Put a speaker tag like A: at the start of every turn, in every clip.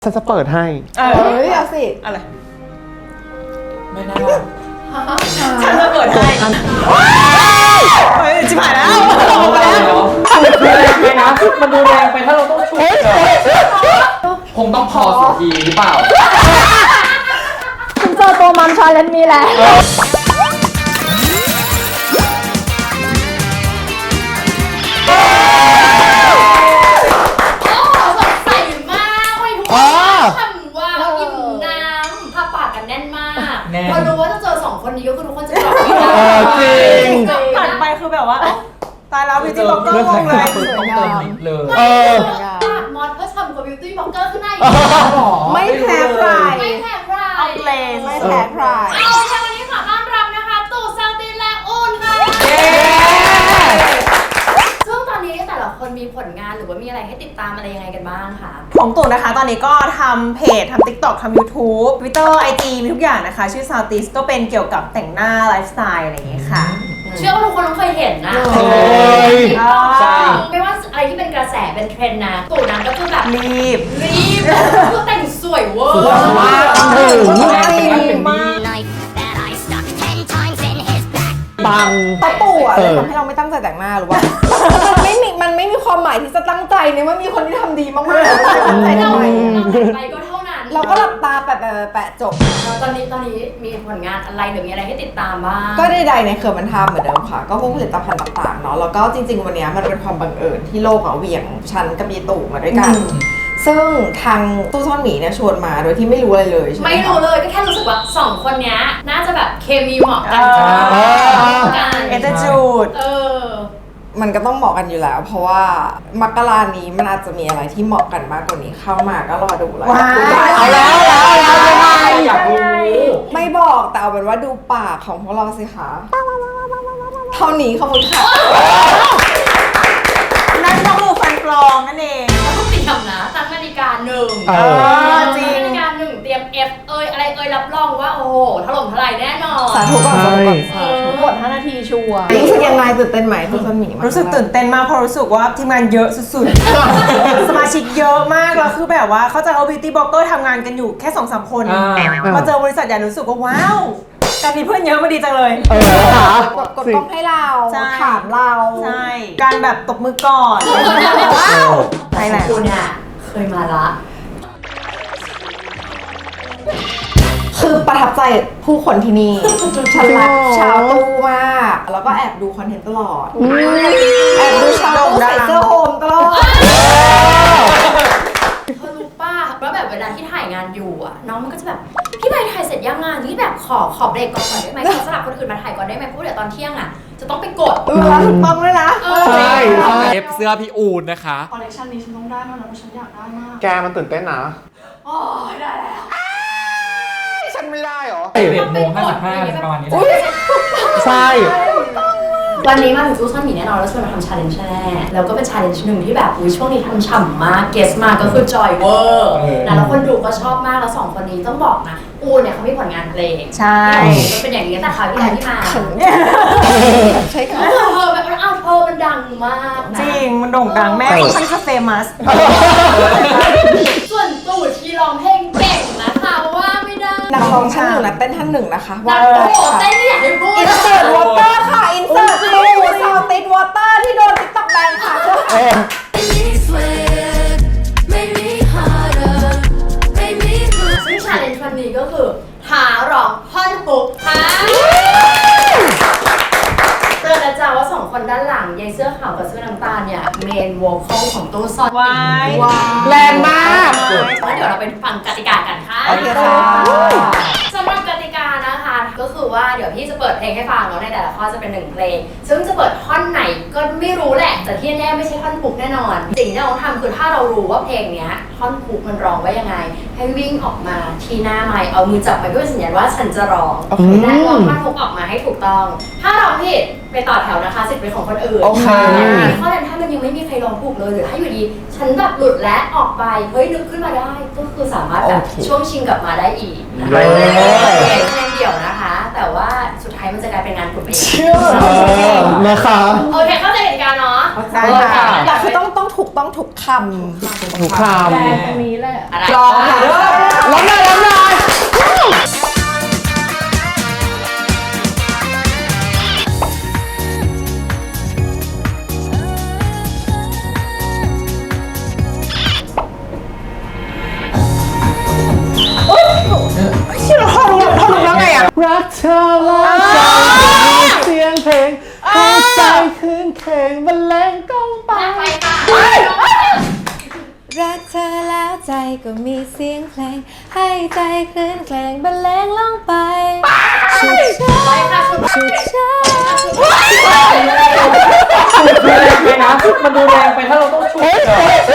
A: ฉันจะเปิดให้
B: เอาสิ
C: อะไร
D: ไม่น่า
C: ฉันจะเปิดให้เฮ้ยจิ๋มหายแล้ว
D: ดูแรงไปนะมันดูแรงไปถ้าเราต้องช่วยคงต้องพอสักทีหรือเปล่า
B: คุณเจอตัวมัมชาเลนจ์นี้แล้ว
E: พอรู้ว่าจะเจอสองคนนี้ก็คือทุกคนจะบอกไม่ได้
A: จริง
C: ผ่านไปคือแบบว่าตายแล้วบิวตี้บล็อกเกอร์งงเลย
D: ต้องเติมนิดเลย
E: มอสเพื่อทำกับบิวตี้บล็อกเกอร์ขึ้นได้
B: ไม่แพ้ใคร
E: ไม่แพ้ใคร
C: เอาเลส
B: ไม่แพ้ใคร
E: เอาแค่วันนี้ขอต้อนรับนะคะตู่ซาตินและอูนค่ะซึ่งตอนนี้แต่ละคนมีผลงานหรือว่ามีอะไรให้ติดตามอะไรยังไงกันบ้างคะ
C: ของตู่นะคะตอนนี้ก็ทำเพจทำ TikTok ทำ YouTube Twitter IG มีทุกอย่างนะคะชื่อ Southeast ก็เป็นเกี่ยวกับแต่งหน้าไลฟ์สไตล์อะไรอย่างเงี้ยค่ะ
E: เชื่อว่าทุกคนต้องเคยเห็นนะ
D: ใช่
E: ไม่ว่าอะไรที่เป็นกระแสเป็นเทรนด์นะตู่นั้นก็คือแบบ
C: รีบ
E: คือแต่งสวยเวอร์
D: มาก
A: ปัง
B: ตะปู่อะเลยทำให้เราไม่ตั้งใจแต่งหน้าหรือว่ามันไม่มีความหมายที่จะตั้งใจเนี่ยว่ามีคนที่ทำดีมากๆตั้งใจทำไม
E: ไปก็เท่านั้น
B: เราก็หลับตาแปะจบ
E: ตอนนี้มีผลงานอะไรหรือมีอะไรให้ติดตามบ้าง
B: ก็ใดๆในเครือมันทำเหมือนเดิมค่ะก็พวกผลิตภัณฑ์ต่างๆเนาะแล้วก็จริงๆวันนี้มันเป็นความบังเอิญที่โลกเหวี่ยงฉันกับยีตู่มาด้วยกันซึ่งทางตู้ซ่อนหมีเนี่ยชวนมาโดยที่ไม่รู้อะไรเลยใช่ไหม
E: ไม่รู้เลยก็แค่รู้สึกว่าสองคนนี้น่าจะแบบเคมีเหมาะกัน
C: เอเจจูด
B: มันก็ต้องเหมาะกันอยู่แล้วเพราะว่ามกรานี้มันอาจจะมีอะไรที่เหมาะกันมากกว่านี้เข้ามาก็รอดูแล้ว
C: เอาแล้ว
D: อยากรู้
B: ไม่บอกแต่เอาเป็นว่าดูปากของพวกเราสิคะเท่านี้ขอบคุณค่ะ
C: นั่นก็คือฟันปลอมนั่นเอง
E: แล้วก็เตรียมนะตั้งนาฬิกา1
C: จริง
E: นาฬิกา1เตรียม F อะไรรับรองว่าโอ้โหถล่มทลายแน่นอน
B: สาธุก่อน
C: หมด5 นาทีชัวร์
B: รู้สึกยังไงตื่นเต้นไหมตู้ซ่อนหมี
C: รู้สึกตื่นเต้นมากเพราะรู้สึกว่าทีมงานเยอะสุดๆสมาชิกเยอะมากแล้วคือแบบว่าเขาจะเอาบิวตี้บล็อกเกอร์ทำงานกันอยู่แค่ 2-3 คนมาเจอบริษัทใหญ่รู้สึกว่าว้าวการมีเพื่อนเยอะมาดีจังเลย
B: กดกล้องให้เราถามเรา
C: ใช่การแบบตบมือก่อนว้าวใช่แหละ
E: คุณเนี่ยเคยมาละ
B: คือประทับใจผู้คนที่นี่ฉันรักชาวตู้มากแล้วก็แอบดูคอนเทนต์ตลอดแอบดูชาวตู้ใส่เสื้อโฮมตลอด
E: เธอรู้ป่ะว่าแบบเวลาที่ถ่ายงานอยู่อ่ะน้องมันก็จะแบบพี่ใบถ่ายเสร็จยังงานนี้แบบขอเบรกก่อนได้ไหมขอสลับคนอื่นมาถ่ายก่อนได้ไหมเพราะเดี๋ยวตอนเที่ยงอ่ะจะต้องไปกด
B: ถูกต้องเลยนะ
A: ใช่
D: เอฟเสื้อพี่อูนนะคะ
E: คอลเลคชันนี้ฉันต้องได้มากนะเพราะฉันอยากได้มาก
A: แกมันตื่นเต้นนะ
E: โอ้ยได้แล้ว
A: ฉันไม่ได้หรอ
D: 11:55ประมาณนี้
A: ใช่
E: วันนี้มาถึงตู้ซ่อนหมีแน่นอนแล้วชวนมาทำชาเลนจ์แน่แล้วก็เป็นชาเลนจ์หนึ่งที่แบบช่วงนี้ทำฉ่ำมากเกสมาก็คือจอยเวอร์แล้วคนดูก็ชอบมากแล้ว2คนนี้ต้องบอกนะอูเนี่ยเขามีผลงานเพลง
C: ใช่
E: ก็เป็นอย่างนี้แต่คราวที่แล้วที่มา
B: ใช่ค่ะ
E: เธอแบบเอาเธอมันดังมาก
C: จริงมันโด่งดังแม่ค่อนข้างเฟมัส
E: ส่วนตู่ชีร้องเพลงเก่งนะคะว่าไม่ได้
B: นักร้องท่านหนึ่งนะเต้นท่านหนึ่งนะคะ
E: ว่าเต้นไม่อยากให้พูด
B: อินเสิร์ตวอเตอร์ค่ะอินเสิร์ตตู้ซาวติดวอเตอร์ที่โดน TikTok แบนค่ะ
E: ซึ่งชาเลนจ์วันนี้ก็คือหาร้องท่อนฮุกค่ะเจอแล้วจ้าว่า2คนด้านหลังยายเสื้อขาวกับเสื้อน้ำตาลเนี่ยเมนโวคอลของตู้ซ่อน
A: แรงมาก
E: แล้วเดี๋ยวเราไปฟังกติกากันค่ะสำหรับกติกานะคะก็คือว่าเดี๋ยวพี่จะเปิดเพลงให้ฟังแล้วในแต่ละข้อจะเป็น1เพลงซึ่งจะเปิดท่อนไหนก็ไม่รู้แหละแต่ที่แน่ไม่ใช่ท่อนฮุกแน่นอนสิ่งที่เราต้องทำคือถ้าเรารู้ว่าเพลงเนี้ยท่อนฮุกมันร้องว่ายังไงให้วิ่งออกมาที่หน้าไมค์เอามือจับไปเพื่อสัญญาณว่าฉันจะร้องและร้องท่อนฮุกออกมาให้ถูกต้องถ้าร้องผิดไปต่อแถวนะคะสิทธิ์เป็นของคนอื่นข้อนั้นถ้ามันยังไม่มีใครร้องถูกเลยหรือถ้าอยู่ดีฉันแบบหลุดและออกไปเฮ้ยนึกขึ้นมาได้ก็คือสามารถแบบช่วงชิงกลับมาได้อีกนะคะเพลงเดี่ยวนะคะแต่ว่าสุดท้ายมันจะกลายเป็นงานกลุ่มเอง
A: นะคะ
E: โอเคเข้าใจกติกาเนาะ
C: ใช่ค่ะ
B: แต่คือต้องถูกค
A: ถูกค
E: แรงตรงนี้แหละอะไร
B: ำลองค่ะ
A: ำล้มเลยล้มเลย
C: ที่เราเขารู้แล้วไงอ่ะ
A: รักเธอแล้วใจมีเสียงเพลงหัวใจคืนเพลงบรรเลงก้องไป
E: ไปค่ะ
B: รักเธอแล้วใจก็มีเสียงเพลง ให้ใจคลื่นเพลงบรรเลงลงไปชุดช้า
E: ไปค่ะชุด
B: ชุดช้า
D: แรงไปนะ มันดูแรงไปถ้าเราต้องฉุดอะ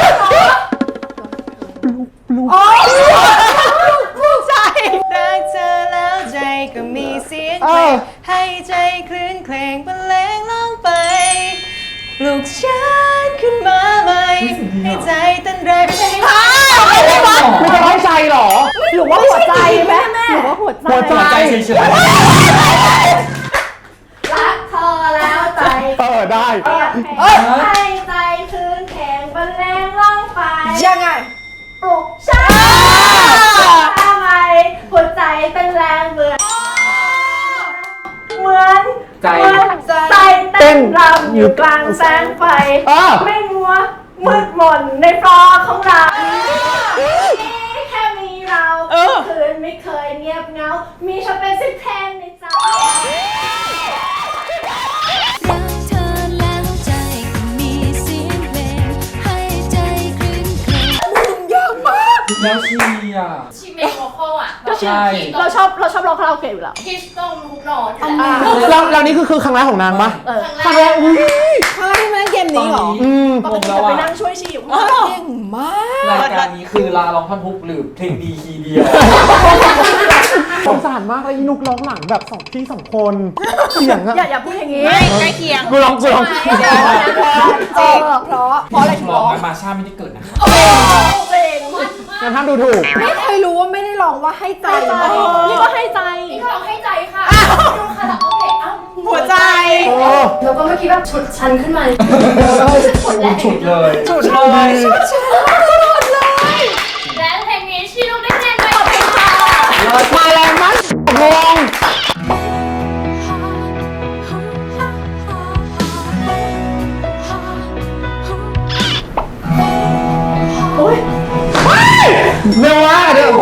C: ใจรักเธอแล้วใจก็มีเสียงเพลงให้ใจคลื่นเพลงบรรเลงลงไปปลุกฉันขึ้นมาใหม่ให้ใจเต้นแรงไม่ใช่ให้
A: ไม่จะร้อยใจเหรอ
B: หรือว่าหัวใจไหมหรือว่าหัวใจ
A: หัวใจ
D: ใจเฉย
E: รักเธอแล้วใจ
A: ได้
E: ให้ใจคืนแข็งบรรเลงร้องไป
B: ยังไง
E: ปลุกฉันทำไมหัวใจเป็นแรงเหมือน
D: ๆใจ
E: ใจเต้นรำอยู่กลางแสงไฟ ไม่มัวมืดมนในฟลอร์ของเราแค่มีเราคืนไม่เคยเงียบเหงา มีฉันเป็นสิบเพลงในใจ
F: รักเธอแล้วใจก็มีเสียงเพลงให้ใจคลื่นเพลง
D: แล้วชีอ่ะ
E: ชีเมโมโคอ่ะ
D: ใช่
E: เราชอบร้องคาราโอเกะอยู่แล้วคิชตรงทุกโน้ตอยู่แล้ว
A: แล้วนี่คือครั้งแรกของนางปะ
E: ครั้งแรก
A: อุ้ย
B: ใช่ไหมเกม
D: ตอ
B: นี้
D: น
B: เหรอ
D: นี้ผมแล้วอ่ะ
E: ช่วยชีอยู่
B: เก่งมาก
D: รายการนี้คือลาร้องท่อนฮุกหรือเพลงดีคีย์เดียว
A: สงสารมากเลยอีนุกร้องหลังแบบพี่สองคนเสียงอะ
E: อย่าพูดอย่างนี้
C: ใกล้เคียง
A: กูร้อง
B: จริงเพราะอะไรถึง
D: ร้
B: ร้
D: อ
B: อง ง
D: มาชาไม่ได้เกิดนะคะ
A: งั้นห้ามดูถูก
B: ไม่เคยรู้ว่าไม่ได้ร้องว่าให้ใจ
E: นี่ก็ให้ใจนี่ก็ร้องให้ใจค่ะดูคาราโอเกะเอ้า
C: หัวใจ
E: แล้วก็เมื่อกี้แบบฉุดฉันขึ้นมาฉุดแรง
D: ฉุดเลย
C: จุดเลย
E: และเพลงนี้ชีลูกได้คะแนนไปขอบคุณค่ะ
A: มาแรงมากงง เร็วมากเดี๋ยว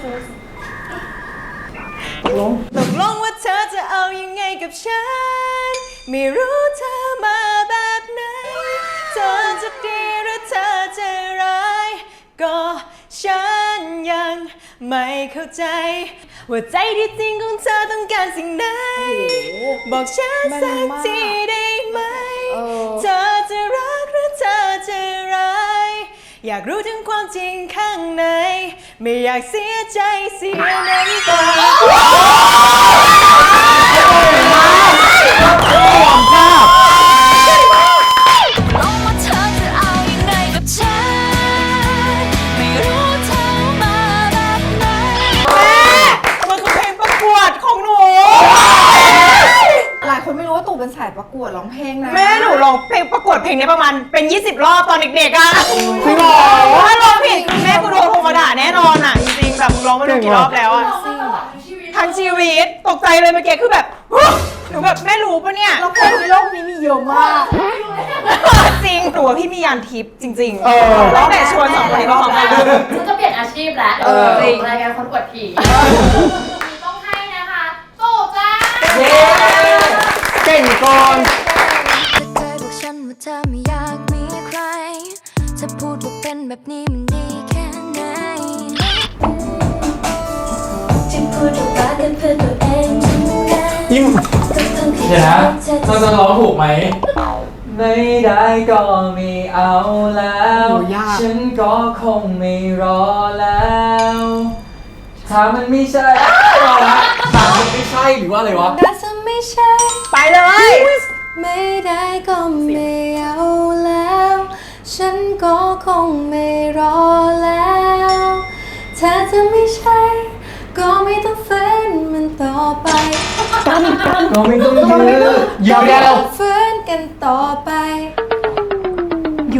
C: ตกลงว่าเธอจะเอายังไงกับฉัน ไม่รู้เธอมาแบบไหน เธอจะดีหรือเธอจะร้าย ก็ฉันยังไม่เข้าใจ ว่าใจที่จริงของเธอต้องการสิ่งไหน บอกฉันสักทีได้ไหม เธอจะรักหรือเธอจะร้าย อยากรู้ถึงความจริงข้างใน ไม่อยากเสียใจเสียน้ำตา
F: ลองว่าเธอจะเอายังไงกับฉัน ไม่รู้เธอมาแบบไหน
C: มันคือเพลงประกวดของหนู
B: หลายคนไม่รู้ว่าตู่เป็นสายประกวดร้องเพลงนะ
C: แม่หนูร้องเพลงประกวดเพลงนี้ประมาณเป็น 20 รอบตอนเด็กๆอ่ะ
A: จริงเหรอ
C: ถ้าร้องผิดแม่กูโดนโทรมาด่าแน่นอนอ่ะ จริงๆแบบมึงร้องมาดูกี่รอบแล้วอ่ะ ทั้งชีวิตตกใจเลยเมื่อกี้คือแบบหนูแบบแม่รู้ปะเนี่ย
B: แล้วคนในโลกนี้มีเยอะมาก
C: จริงหนูว่าพี่มียานทิพย์จริง
A: เออ
C: ๆตั้งแต่ชวนสองคนนี้มาพร้อมกัน
E: ฉันจะเปลี่ยนอาชีพแล้ว
C: จริง
E: รายการคนกวดผีต้องให้นะคะโตจ้า
A: เก่งก่อน
F: เธอเคยบอกฉันว่าเธอไม่อยากมีใครเธอพูดว่าเป็นแบบนี้มันดีแค่ไหนจึงพูดออกมากันเพื่อตัวเองทั้งนั้น
A: ยิ้ม
F: ทั้งๆที่
D: เดี๋ยวนะ
F: เธอ
D: เราจะร้องถูกไหม ไม่ได้ก็ไม่เอาแล้ว
A: โอ้ยาก
D: ฉันก็คงไม่รอแล้ว ถ้ามันไม่ใช่รอละถ้ามันไม่ใช่หรือว่าอะไรวะ
B: น่าจะไม่ใช่
C: ไปเลย
B: ไม่ได้ก็ไม่เอาแล้ว ฉันก็คงไม่รอแล้วถ้าจะไม่ใช่ ก็ไม่ต้องฝืนมันต่อไป
D: เราไม่ต้องยืด
A: เดี๋ยว
B: ฝืนกันต่อไป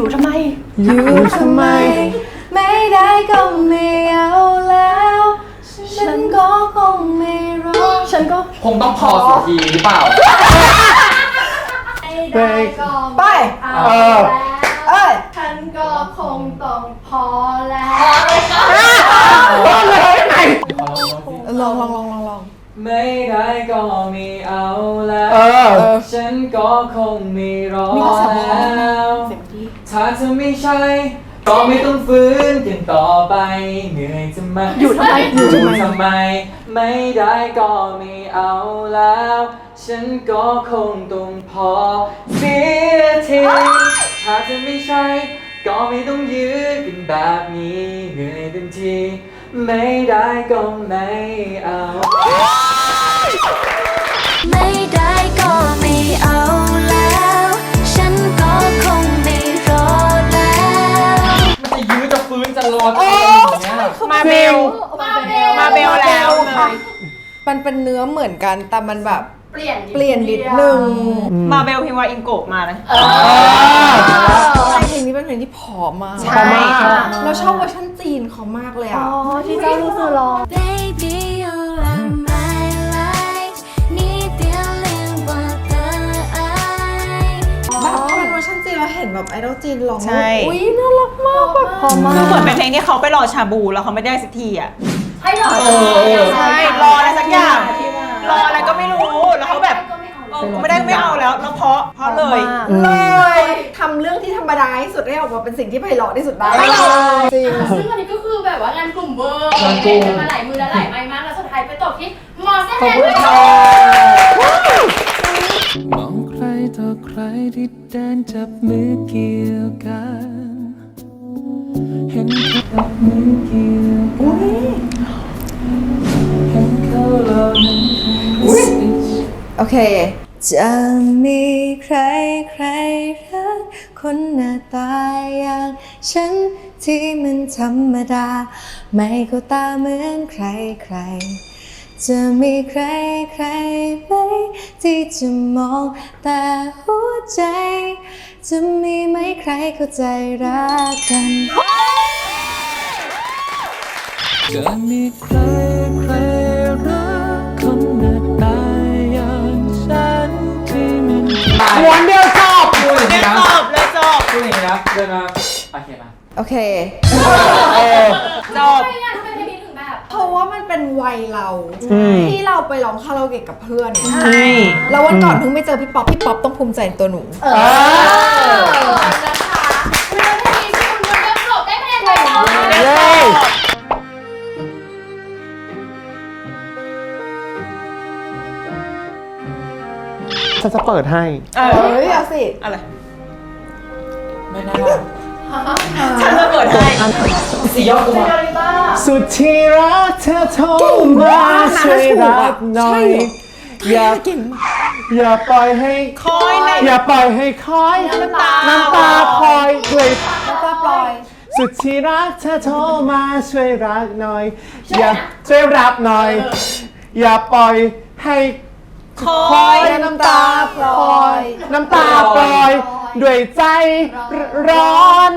C: อยู่ทำไม
B: อยู่ทำไม ไม่ได้ก็ไม่เอาแล้ว ฉันก็คงไม่รอ
C: ฉันก็
D: คงต้องพอสักทีหรือเปล่า
E: ไม่ได้ก็
B: ไป
E: เอาแล้ว
B: เอ้ย
E: ฉันก็คงต้องพอแล้ว
B: ลอง
D: ไม่ได้ก็ไม่เอาแล้ว ฉันก็คงไม่รอแล้ว ถ้าเธอไม่ใช่ ก็ไม่ต้องฝืนกันต่อไป เหนื่อยจะมาอยู่ทำไมทำไม ไม่ได้ก็ไม่เอาแล้ว ฉันก็คงต้องพอเสียทีถ้าเธอไม่ใช่ ก็ไม่ต้องยื้อกันแบบนี้เหนื่อยเต็มทีไม่ได้ก็ไม่เอา
F: ไม่ได้ก็ไม่เอาแล้ว ฉันก็คงไม่รอแล้ว
D: มันจะยื้อจะฟื้นจะรอจะอะไรอย่างเงี้ย
C: มาเบล มาเบลแล้วเลย
B: มันเป็นเนื้อเหมือนกันแต่มันแบบ
E: เปลี่ยน
B: เปลี่ยนนิดนึง
C: มาเบลพิมพ์ว่าอิงโกะมาเลย
B: ใช่เพลงนี้เป็นเพลงที่ผอมมาก
C: ใช่
B: เราชอบเวอร์ชันจีนเขามากเลยอ่ะ
E: ที่เจ้ารู้สึกร้อง
F: Baby you are my life 你别恋我的爱
B: แบบพอเป็นเวอร์ชันจีนเราเห็นแบบไอดอลจีนร้อง
C: ใช่
B: อุ้ยน่ารักมากแบบพอมาก
C: คือเหมือนเป็นเพลงที่เขาไปรอชาบูแล้วเขาไม่ได้สักทีอ่ะ
E: ให้หรอ
C: ใช่ รออะไรสักอย่าง รออะไรก็ไม่รู้ แล้วเขาแบบไม่ได้ไม่เอาแล้วเพราะเลย
B: เลยทำเรื่องที่ธรรมดาที่สุดให้ออกมาเป็นสิ่งที่ไพเราะที่สุดได้จริง
E: ซึ่งอันนี้ก็คือแบบว่างานกลุ่มเวอร์
D: งานกลุ่ม
E: เล่นกันมาหลายมือและหลายไม้มากแล้วสุดท้ายไปตกที่มอสแซนด้วย
A: มองใครต่อใครที่เดินจับมือเกี่ยวกัน เห็นเขาจับมือเกี่ยวกันเห็นเขาเหล่านั้น
B: โอเค จะมีใครรักคนหน้าตาอย่างฉันที่มันธรรมดา ไม่เข้าตาเหมือนใครจะมีใครไหมที่จะมองแต่หัวใจ จะมีไหมใครเข้าใจรักกัน
A: จะมีใครรักคนหน้าตาอย่างฉันที่มัน
D: ม้วนเดียวจบพูดอย่าง
C: เรี
D: นี้
C: ยน
D: นะ
C: จบเลยจบ
D: พูดอย่างนี้นะเดินมาโอเคป่ะ
B: โอเค
C: จบ
E: ทำไมอ่ะทำไมเพลงนี้ถึงแบบ
B: เพราะว่ามันเป็นวัยเราที่เราไปร้องคาราโอเกะกับเพื่อน
C: ใช่
B: แล้ววันก่อนเพิ่งไปเจอพี่ป๊อปต้องภูมิใจในตัวหนู
E: นะคะวินาทีที่คุณมันเริ่มจบได้คะแนนไปแล้ว
C: เรียนจบ
A: ฉันจะเปิดให้
C: เออ
B: เฮ้ยเอาสิ
C: อะไร
D: ไม่น่า
C: ฉันจะเปิดให้
D: สี่ยอดตัว
A: สุดที่รักเธอโทรมาช่วยรักหน่อย อย่าปล่อยให้
C: คอยใน
A: อย่าปล่อยให้คอยน้ำตาคอยเลย
B: แล้วก็ปล่อย
A: สุดที่รักเธอโทรมาช่วยรักหน่อย อย่าช่วยรับหน่อย อย่าปล่อยให้
C: คอ
A: คอย ยน้ำตาปล่อย น้ำตาปล่อย ด้วยใจร้อน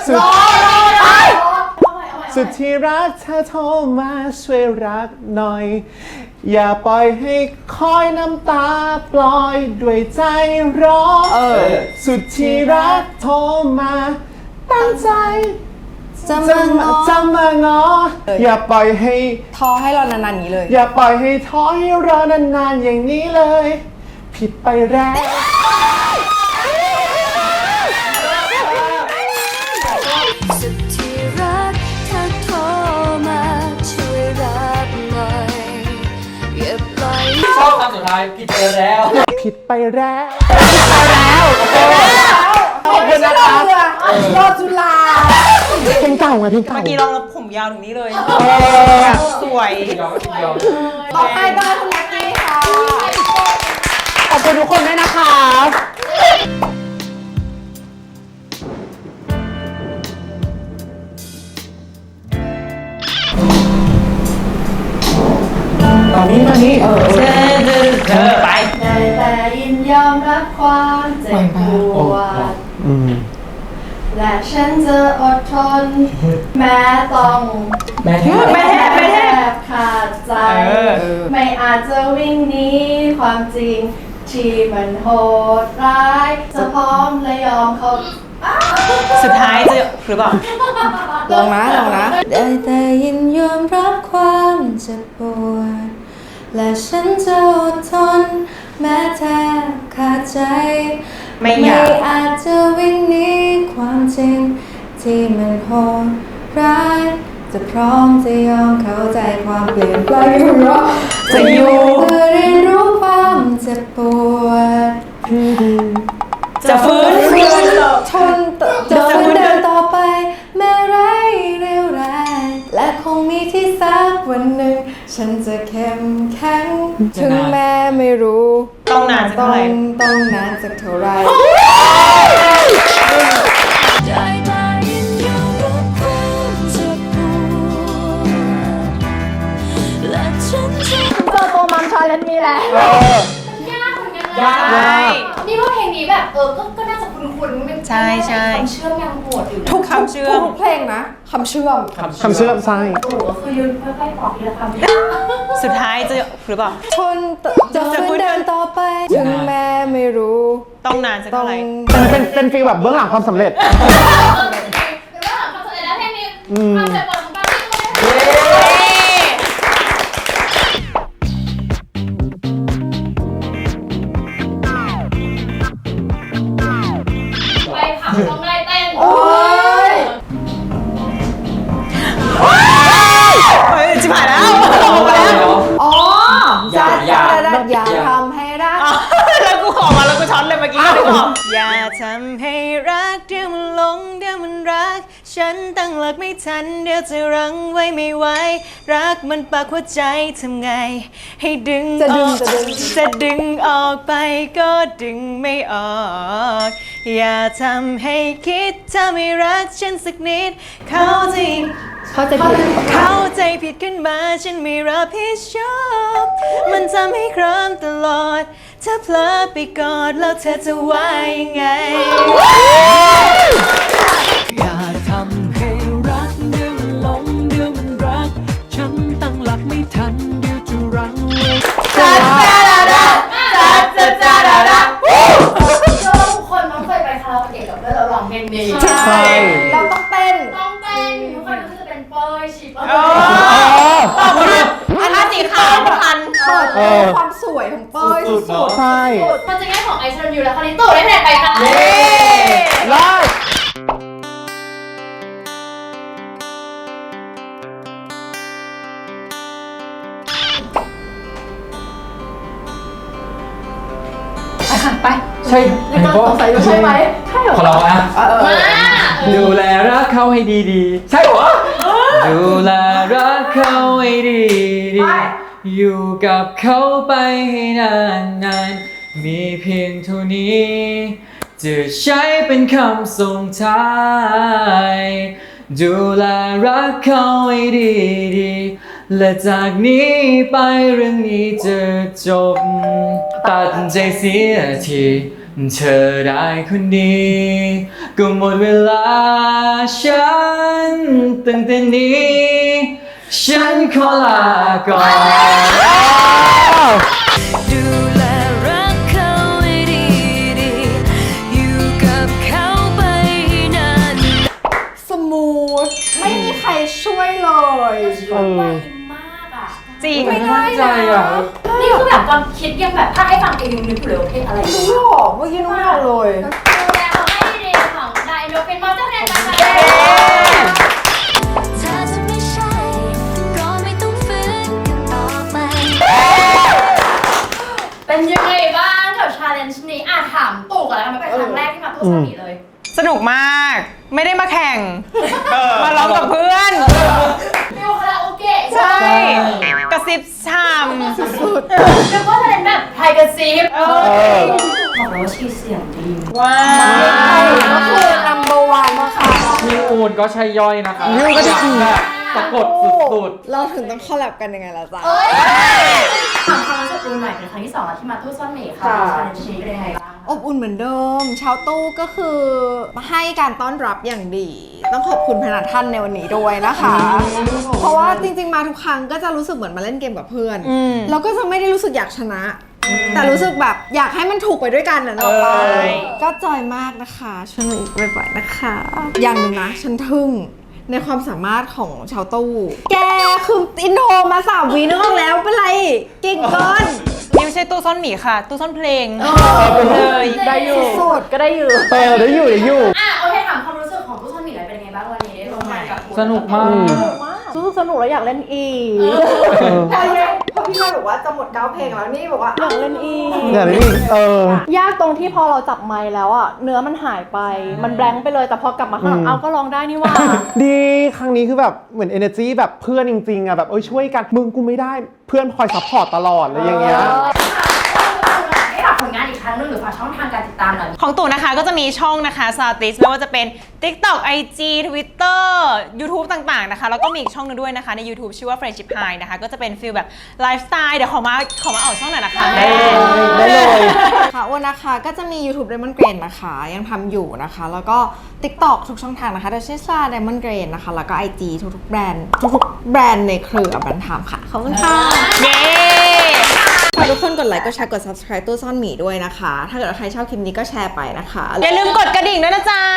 A: สุดที่รักเธอโทรมาช่วยรักหน่อย อย่าปล่อยให้คอยน้ำตาปล่อยด้วยใจร้อนสุดที่รักโทรมาตั้งใจ
B: จะมางอ
A: จะมางออย่าปล่อยให้
B: ท้อให้เรานานๆอย่างนี้เลย
A: อย่าปล่อยให้ท้อให้รอนานๆอย่างนี้เลย ผิดไปแล้ว
F: สุดที่รักเธอโทรมาช่วยรับหน่อยอย่าปล่อย
D: ชอบคำสุดท้ายผิดไปแล้ว
A: ผิดไปแล้วขอบคุณนะคะ
B: รอจุฬา
A: เพลงเก่าไงเพลงเก่า
C: เมื่อกี้ลองแล้วผมยาวถึงนี้เลย สวย
D: เดียวเดียว
B: ต่อไปบ้านคุณลักกี้ค่ะ
A: ขอบคุณทุกคนด้วยนะคะตอนนี้มานี่
C: เธอไป
E: ได้แต่ยินยอมรับความเจ็บปวด
B: และฉันจะอดทน แม้ต้อง
D: แม่แทบ
B: แทบขาดใจ ไม่อาจจะวิ่งหนีความจริงที่มันโหดร้าย จะพร้อมและยอมเขา
C: สุดท้ายจะหรือเปล่า
B: ลองนะได้แต่ยินยอมรับความเจ็บปวดและฉันจะอดทน แม้แทบขาดใจ
C: ไม่อยาก
B: อาจจะวิ่งหนีความจริงที่มันโหดร้ายจะพร้อมจะยอมเข้าใจความเปลี่ยนแปลงจะอยู่เพื่อเรียนรู้ความเจ็บปวด
C: จะฟื้น
B: ทนจะฟื้นเดินต่อไปแม้ไร้เรี่ยวแรงและคงมีที่สักวันหนึ่งฉันจะเข้มแข็งถึงแม้ไม่รู้
C: ต้องนานสักเท่าไหร่
B: ต้องนานสักเท่าไหร่
F: ได้แต่ยินยอมรับความเจ็บปวดและฉันจะ
E: เจอตัวมัมชาเลนจ์นี้แล้วยากเหมือนกันนะ
C: ยาก
E: นี่ว่าเพลงนี้แบบก็น่าจะคุ้นๆมัน
C: ใช่ใช่
E: คำเชื่อมยังโหดอยู่นะ
C: ทุกคำเชื่อม
B: ทุกเพลงนะคำเชื่อม
A: คำเชื่อมใช่
E: โอ้โหคือยืนค่อยๆตอบทีละคำ
C: สุดท้ายจะหรือเปล่า
B: ทนจะฟื้นเดินต่อไปถึงแม้ไม่รู้
C: ต้องนานสักเท่าไหร่
A: เป็นฟีลแบบเบื้องหลังความสำเร็จ
E: หรือว่าหลังคำเฉลยแล้วเพลงนี้ความเจ็บปวดของปาร์ตี้ไปผับต้องได้เต้น
C: เฮ้ยจิบหายแล้วออกมาแล้ว
B: อ๋อ
D: อย่า
B: อย่าทำให้รัก
C: แล้วกูขอมาแล้วกูช็อตเลยเมื่อกี้ก็เลยบอกอย่าทำให้รักเดี๋ยวมันหลงเดี๋ยวมันรัก ฉันตั้งหลักไม่ทันเดี๋ยวจะรั้งไว้ไม่ไหวรักมันปากหัวใจทำไง ให้ดึงออกจะดึงออกไปก็ดึงไม่ออกอย่าทำให้คิดถ้าไม่รักฉันสักนิดเข้าใจผิดขึ้นมาฉันไม่รับผิดชอบมันทำให้ครามตลอดถ้าเพลอไปกอดแล้วเธอจะว่ายังไง
G: อย่าทำให้รักเดี๋ยวมันหลงเดี๋ยวมันรัก ฉันตั้งหลักไม่ทันเดี๋ยวจะรั้งไว้
E: ทุกคนต้องเคยไปคาราโอเกะกับเพื่อนเราร้องเพลงนี้
A: ใช่
B: เราต้องเต้น
E: ต้องเต้นทุกคนก็จะเป็นเป้ยฉีบแล้ว
C: อันนั้นสีขาวพัน
B: เปิดความสวยของเป้ยสุด
A: ใช่
E: มันจะง่ายของไอซ์รันยูแล้วคราวนี้ตู่ได้คะแนนไปค่ะ
A: ได้
D: ใช่ไหมก็ใส่ใช่ไหมขอเราอะ
E: มา
D: ดูแลรักเขาให้ดีๆ ใช่เหรอ ดูแลรักเขาให้ดีๆ อยู่กับเขาไปให้นานๆ มีเพียงเท่านี้ จะใช้เป็นคำส่งท้าย ดูแลรักเขาให้ดีๆ และจากนี้ไปเรื่องนี้จะจบ ตัดใจเสียทีเธอได้คนดีก็หมดเวลาฉันตั้งแต่นี้ ฉันขอลาก่อน
F: ดูแลรักเขาให้ดีๆอยู่กับเขาไปให้นาน
B: ๆสมูทไม่มีใครช่วยเลย
E: ไวมากอ่ะ
C: จริง
E: ไม่ได้
D: ใจอ่ะ
E: นี่คือแบบความคิดยังแบบถ้าให้ฟังเองยังนึกอยู่เลยว่าเพลงอะไร
B: รู้หรอเมื่อกี้น้องไม่เอาเลย
E: ดูแลเขาให้ดีของไดโนเป็นมอเตอร์แมนมาค่ะ
F: ถ้าจะไม่ใช่ก็ไม่ต้องฝืนกันต่อไป
E: เป็นยังไงบ้างกับชาเลนจ์นี้ถามตู่ก่อนแล้วกันไม่เป็นครั้งแรกที่มาตู้สมีเลย
C: สนุกมาก ไม่ได้มาแข่ง มาร้องกับเพื่อน
E: ฟิลคาราโอเกะ
C: ใช่ กระซิบชาม
E: แล้วก็จะเป็นแบบไทยกระซิบบอกเลยว่าชีเสียงดี
C: ว้า
B: ก็คือ number one ค่ะ
D: พี่อูนก็ใช่ย่อยนะครับพี่อูนก็จะแบบสะกดสุด
B: เราถึงต้องคอลแลบกันยังไงล่ะจ๊ะ
E: ถามความรู้สึกตูนหน่อยเป็นครั้งที่2แล้วที่มาตู้ซ่อนหมีค่ะชาเลนจ์นี้เป็นยังไงบ้างคะ
B: อบอุ่นเหมือนเดิม ชาวตู้ก็คือให้การต้อนรับอย่างดี ต้องขอบคุณพนักท่านในวันนี้ด้วยนะคะ เพราะว่าจริงๆมาทุกครั้งก็จะรู้สึกเหมือนมาเล่นเกมกับเพื่อนแล้วก็จะไม่ได้รู้สึกอยากชนะ แต่รู้สึกแบบอยากให้มันถูกไปด้วยกันนะเนาะก็จอยมากนะคะช่วยหนูอีกบ่อยๆนะคะ อย่างหนึ่งนะฉันทึ่งในความสามารถของชาวตู้แกคืออินโทรมา3 วีนึกออกแล้วเป็นไรเก่งเกิน
C: นี่ไม่ใช่ตู้ซ่อนหมีค่ะ ตู้ซ่อนเพลง
E: เลย
B: ได้อยู่สุดก็ได้อยู่
A: ได้อยู่
E: อ่ะโอเคถามความรู้สึกของตู้ซ่อนหมีหน่อยเป็นไงบ้างวันนี้ได้ร่วมงานกับคุณ
D: สนุกมาก
H: รู้สึกสนุกแล้วอยากเล่นอีก
B: พอพี่ชายบอกว่าจะหมด9 เพลงแล้วนี่บอกว่า
H: อยากเล่นอีก
A: อย่างนี้
H: ยากตรงที่พอเราจับไมค์แล้วอ่ะเนื้อมันหายไป มันแบงค์ไปเลยแต่พอกลับมาข้างหลังเอาก็ร้องได้นี่ว่า
A: ดีครั้งนี้คือแบบเหมือน energy แบบเพื่อนจริงๆอ่ะแบบช่วยกันมึงกูไม่ได้เพื่อนคอยซัพพอร์ตตลอดอะไรอย่างเงี้ย
E: ให้ฝากผลงานอีกครั้งหนึงหรือฝากช่องทางการติดตามหน่อย
C: ของตู่นะคะก็จะมีช่องนะคะซาติสไม่ว่าจะเป็น TikTok IG Twitter YouTube ต่างๆนะคะแล้วก็มีอีกช่องนึงด้วยนะคะใน YouTube ชื่อว่า Friendship High นะคะก็จะเป็นฟีลแบบไลฟ์สไตล์เดี๋ยวขอมาออกช่องหน่อยนะคะ
A: ได้เลย
B: ค่ะวันนะคะก็จะมี YouTube Diamond Grain นะคะยังทำอยู่นะคะแล้วก็ TikTok ทุกช่องทางนะคะโดยชื่อซา Diamond Grain นะคะแล้วก็ IG ทุกๆแบรนด์ในเครือแบรนด์ไทม์ค่ะขอบคุณค่ะ
C: เย้
B: ฝากทุกคนกดไลค์กดแชร์กด subscribe ตู้ซ่อนหมีด้วยนะคะ ถ้าเกิดว่าใครชอบคลิปนี้ก็แชร์ไปนะคะ
C: อย่าลืมกดกระดิ่งด้วยนะจ๊ะ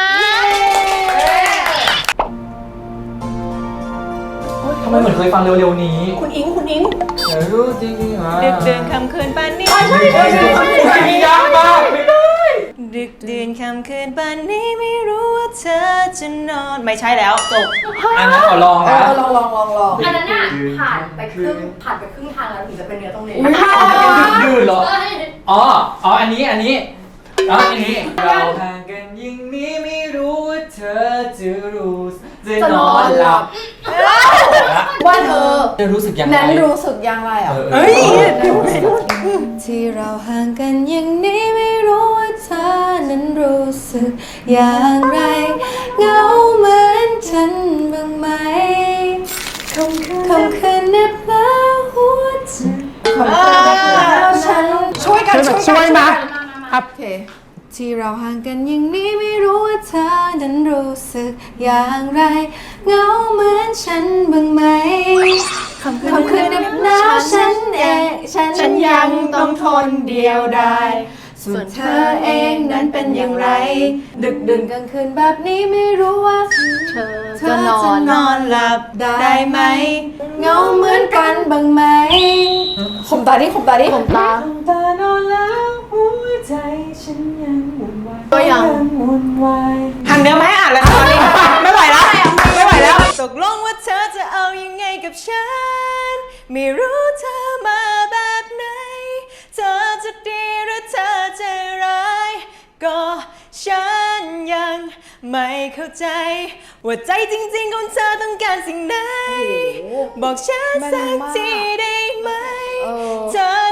D: ทำไมเหมือนเคยฟังเร็วๆนี้
H: คุณอิง
D: เดี๋ยวรู้จริงๆอ่ะ
C: ดึกดื่นค่ำคืนปานนี้
D: มียากมากไม่ได้
C: ดึกดื่นค่ำคืนปานนี้ไม่รู้ว่าเธอจะนอนไม่ใช่แล้วจบ
D: อันนั้นขอลองนะ
B: ลอง
E: อันนั้นน่ะผ่านไปครึ่งทางแล้วถึงจะเป็นเนื้อตรงนี้
D: ดื้อเหรอ
E: เอ้ย
D: อ๋ออันนี้เราห่างกันยิ่งนี้ไม่รู้ว่าเธอจะรู้จะนอนหลับ
B: ว่าเธอ
D: จะรู้สึกยังไง
B: นั้นรู้สึกอย่างไรอ่ะ
D: เฮ้ย
B: ที่เราห่างกันอย่างนี้ไม่รู้ว่าเธอนั้นรู้สึกอย่างไรเหงาเหมือนฉันบ้างไหมคำคืนเหน็บหนาวหัวใจฉันช่วยกัน
A: ช่วยนะ
B: โอเคที่เราห่างกันอย่างนี้ไม่รู้ว่าเธอนั้นรู้สึกอย่างไรเหงาเหมือนฉันบ้างไหมคำคืนเหน็บหนาวฉันยังต้องทนเดียวดายส่วนเธอเองนั้นเป็นอย่างไร ดึกดื่นกลางคืนแบบนี้ไม่รู้ว่าเธอจะนอนหลับได้ไหมเหงาเหมือนกันบ้างไหมขมตาดิขมตานอนแล้วหัวใจฉันยังวุ่นวายก็ยังวุ่นวาย
C: หันเนื้อมาให้อ่านแล้วตอนนี้ไม่ไหวแล้วตกลงว่าเธอจะเอายังไงกับฉันไม่รู้เธอมาแบบไหนเธอจะดีหรือเธอจะร้ายก็ฉันยังไม่เข้าใจว่าใจจริงๆของเธอต้องการสิ่งไหนบอกฉันสักทีได้ไหมเธอ